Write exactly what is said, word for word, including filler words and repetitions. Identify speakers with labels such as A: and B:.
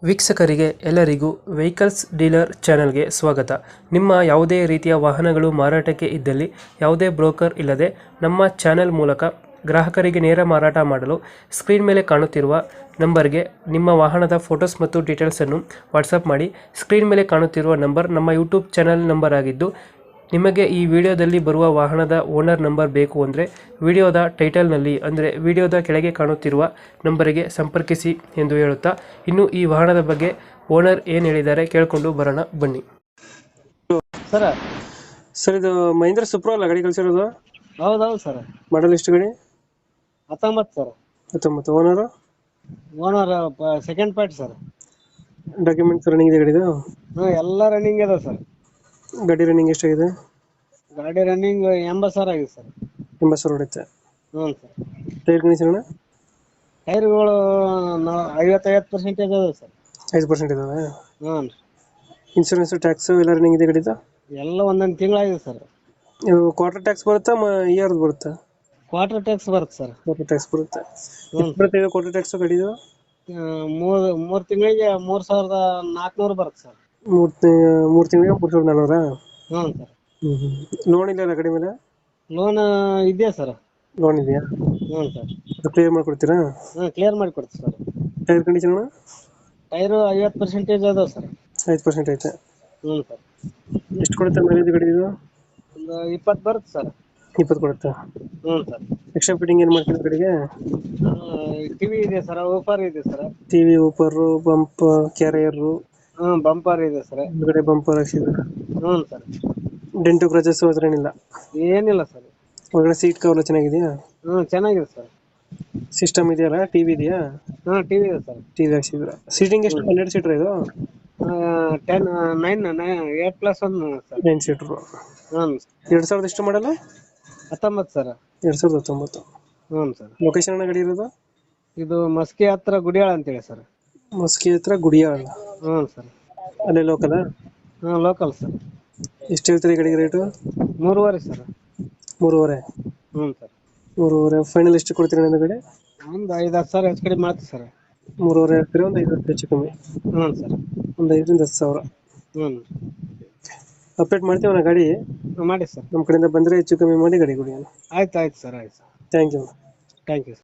A: ವೀಕ್ಷಕರಿಗೆ ಎಲ್ಲರಿಗೂ vehicles dealer ಚಾನೆಲ್ಗೆ ಸ್ವಾಗತ. ನಿಮ್ಮ ಯಾವುದೇ ರೀತಿಯ ವಾಹನಗಳು ಮಾರಾಟಕ್ಕೆ ಇದ್ದಲ್ಲಿ ಯಾವುದೇ ಬ್ರೋಕರ್ ಇಲ್ಲದೆ ನಮ್ಮ ಚಾನೆಲ್ ಮೂಲಕ ಗ್ರಾಹಕರಿಗೆ ನೇರ ಮಾರಾಟ ಮಾಡಲು ಸ್ಕ್ರೀನ್ ಮೇಲೆ ಕಾಣುತ್ತಿರುವ ನಂಬರ್ಗೆ ನಿಮ್ಮ ವಾಹನದ ಫೋಟೋಸ್ ಮತ್ತು ಡೀಟೇಲ್ಸನ್ನು ವಾಟ್ಸಪ್ ಮಾಡಿ. ಸ್ಕ್ರೀನ್ ಮೇಲೆ ಕಾಣುತ್ತಿರುವ ನಂಬರ್ ನಮ್ಮ ಯೂಟ್ಯೂಬ್ ಚಾನೆಲ್ ನಂಬರ್ ಆಗಿದ್ದು, ನಿಮಗೆ ಈ ವಿಡಿಯೋದಲ್ಲಿ ಬರುವ ವಾಹನದ ಓನರ್ ನಂಬರ್ ಬೇಕು ಅಂದರೆ ವಿಡಿಯೋದ ಟೈಟಲ್ನಲ್ಲಿ ಅಂದರೆ ವಿಡಿಯೋದ ಕೆಳಗೆ ಕಾಣುತ್ತಿರುವ ನಂಬರಿಗೆ ಸಂಪರ್ಕಿಸಿ ಎಂದು ಹೇಳುತ್ತಾ, ಇನ್ನು ಈ ವಾಹನದ ಬಗ್ಗೆ ಓನರ್ ಏನು ಹೇಳಿದ್ದಾರೆ ಕೇಳಿಕೊಂಡು ಬರೋಣ ಬನ್ನಿ.
B: ಸರ್
A: ಸರ್, ಇದು ಮಹೇಂದ್ರ ಸುಪ್ರೋ ಅಲ್ಲ ಗಾಡಿ ಕಳಿಸಿರೋದು?
B: ಹೌದೌದು ಸರ್.
A: ಮಾಡಲ್ ಎಷ್ಟು ಗಾಡಿ?
B: ಹತ್ತೊಂಬತ್ತು ಸರ್.
A: ಹತ್ತೊಂಬತ್ತು. Owner?
B: Owner second party sir.
A: Documents running ಇದೆ ಗಾಡಿದು?
B: ಹ್ಞೂ ಎಲ್ಲ ರನ್ನಿಂಗ್ ಇದೆ ಸರ್.
A: ಗಾಡಿ ರನ್ನಿಂಗ್ ಎಷ್ಟಾಗಿದೆ?
B: ಗಾಡಿ ರನ್ನಿಂಗ್ ಎಂಬತ್ತು ಸಾವಿರ ಆಗಿದೆ ಸರ್.
A: ಎಂಬತ್ತು ಸಾವಿರ ಹೊಡೆಯುತ್ತೆ.
B: ಹ್ಞೂ ಸರ್.
A: Tyre condition?
B: ಟೈರ್ಗಳು ಐವತ್ತೈವತ್ತು ಪರ್ಸೆಂಟೇಜ್ ಅದಾವೆ ಸರ್.
A: ಐದು ಪರ್ಸೆಂಟ್ ಇದಾವೆ.
B: ಹ್ಞೂ.
A: ಇನ್ಶೂರೆನ್ಸ್ ಟ್ಯಾಕ್ಸ್ ಎಲ್ಲ ರನ್ನಿಂಗ್ ಇದೆ ಗಾಡಿದು?
B: ಎಲ್ಲ ಒಂದೊಂದು ತಿಂಗಳಾಗಿದೆ ಸರ್.
A: ಇದು ಕ್ವಾರ್ಟರ್ ಟ್ಯಾಕ್ಸ್ ಬರುತ್ತಾ ಇಯರ್ದು ಬರುತ್ತಾ?
B: ಕ್ವಾರ್ಟರ್ ಟ್ಯಾಕ್ಸ್ ಬರುತ್ತೆ ಸರ್.
A: ಕ್ವಾರ್ಟರ್ ಟ್ಯಾಕ್ಸ್ ಬರುತ್ತೆ.
B: ಹ್ಞೂ.
A: ಬರುತ್ತೆ ಕ್ವಾರ್ಟರ್ ಟ್ಯಾಕ್ಸ್ ಗಾಡಿದು?
B: ಮೂರು ಮೂರು ತಿಂಗಳಿಗೆ ಮೂರು ಸಾವಿರದ ನಾಲ್ಕುನೂರು ಬರುತ್ತೆ ಸರ್.
A: ಮೂರು ಮೂರು ತಿಂಗಳಿಗೆ ಮೂರು ಸಾವಿರದ ನಾನ್ನೂರಾ?
B: ಹ್ಞೂ ಸರ್.
A: ಹ್ಞೂ ಹ್ಞೂ. ಲೋನ್ ಇಲ್ಲ ಗಾಡಿ ಮೇಲೆ?
B: ಲೋನ್ ಇದೆಯಾ ಸರ್?
A: ಲೋನ್ ಇದೆಯಾ?
B: ಹ್ಞೂ ಸರ್.
A: ಅದು ಕ್ಲಿಯರ್ ಮಾಡಿಕೊಡ್ತೀರಾ?
B: ಹ್ಞೂ ಕ್ಲಿಯರ್ ಮಾಡಿ ಕೊಡ್ತೀವಿ ಸರ್.
A: Tyre condition?
B: ಟೈರು ಐವತ್ತು ಪರ್ಸೆಂಟೇಜ್ ಅದಾವೆ ಸರ್.
A: ಐದು ಪರ್ಸೆಂಟ್ ಐತೆ.
B: ಹ್ಞೂ ಸರ್.
A: ಎಷ್ಟು ಕೊಡುತ್ತೆ ಮೈಲೇಜ್ ಗಾಡಿ ಇದು?
B: ಒಂದು ಇಪ್ಪತ್ತು ಬರುತ್ತೆ ಸರ್.
A: ಇಪ್ಪತ್ತು ಕೊಡುತ್ತಾ?
B: ಹ್ಞೂ ಸರ್.
A: ಎಕ್ಸ್ಟ್ರಾ ಫಿಟ್ಟಿಂಗ್ ಏನು ಮಾಡ್ತೀರಾ ಗಾಡಿಗೆ?
B: ಟಿವಿ ಇದೆ ಸರ್, ಓಫರ್ ಇದೆ ಸರ್.
A: ಟಿ ವಿ, ಊಪರು, ಬಂಪ್, ಕ್ಯಾರಿಯರು,
B: ಹ್ಞೂ ಬಂಪರ್ ಇದೆ ಸರ್.
A: ಹಿಂದ್ಗಡೆ ಬಂಪರ್ ಹಾಕ್ಸಿದ್ರೆ?
B: ಹ್ಞೂ ಸರ್.
A: ಡೆಂಟು ಕ್ರಚಸ್ ಹತ್ರ ಏನಿಲ್ಲ?
B: ಏನಿಲ್ಲ ಸರ್.
A: ಒಳಗಡೆ ಸೀಟ್ ಕವರ್ ಚೆನ್ನಾಗಿದೆಯಾ?
B: ಹ್ಞೂ ಚೆನ್ನಾಗಿದೆ ಸರ್.
A: ಸಿಸ್ಟಮ್ ಇದೆಯಲ್ಲ? ಟಿವಿ ಇದೆಯಾ?
B: ಹ್ಞೂ ಟಿವಿ ಇದೆ ಸರ್.
A: ಟಿವಿ ಹಾಕ್ಸಿದ್ರ? ಸೀಟಿಂಗ್ ಎಷ್ಟು? ಹನ್ನೆರಡು ಸೀಟರ್ ಇದು?
B: Ten nine nine eight plus one sir.
A: Nine seater.
B: ಹ್ಞೂ.
A: ಎರಡು ಸಾವಿರದ ಎಷ್ಟು ಮಾಡಲ್ಲ?
B: ಹತ್ತೊಂಬತ್ತು ಸರ್.
A: ಎರಡು ಸಾವಿರದ ಹತ್ತೊಂಬತ್ತು.
B: ಹ್ಞೂ ಸರ್.
A: ಲೊಕೇಶನ್ ಗಾಡಿ ಇರೋದು?
B: ಇದು ಮಸ್ಕಿ ಹತ್ರ ಗುಡಿಯಾಳ ಅಂತೇಳಿ ಸರ್.
A: ಮಸ್ಕಿ ಹತ್ರ ಗುಡಿಯಾಳ?
B: ಹ್ಞೂ ಸರ್.
A: ಅಲ್ಲೇ ಲೋಕಲ್?
B: ಹ್ಞೂ ಲೋಕಲ್ ಸರ್.
A: ಎಷ್ಟು ಹೇಳ್ತೀರಿ ಗಾಡಿಗೆ ರೇಟು?
B: ಮೂರುವರೆ ಸರ್.
A: ಮೂರುವರೆ?
B: ಹ್ಞೂ ಸರ್.
A: ಮೂರುವರೆ ಫೈನಲ್ ಎಷ್ಟು ಕೊಡ್ತೀರಿ ನನ್ನ ಗಾಡಿ?
B: ಒಂದು ಐದು ಹತ್ತು ಸಾವಿರ ಹೆಚ್ಚು ಕಡಿಮೆ ಮಾಡ್ತೀವಿ ಸರ್.
A: ಮೂರುವರೆ ಹೇಳ್ತೀರಿ, ಒಂದು ಐದು ಹತ್ತು ಹೆಚ್ಚು ಕಮ್ಮಿ?
B: ಹ್ಞೂ ಸರ್.
A: ಒಂದು ಐದರಿಂದ ಹತ್ತು ಸಾವಿರ.
B: ಹ್ಞೂ.
A: ಅಪ್ಡೇಟ್ ಮಾಡ್ತೀವಿ ನಾ ಗಾಡಿ.
B: ಮಾಡಿ ಸರ್.
A: ನಮ್ಮ ಕಡೆಯಿಂದ ಬಂದರೆ ಹೆಚ್ಚು ಕಮ್ಮಿ ಮಾಡಿ ಗಾಡಿ ಕೊಡಿ.
B: ಆಯ್ತು ಆಯ್ತು ಸರ್. ಆಯ್ತು sir.
A: Thank you.
B: Thank you sir.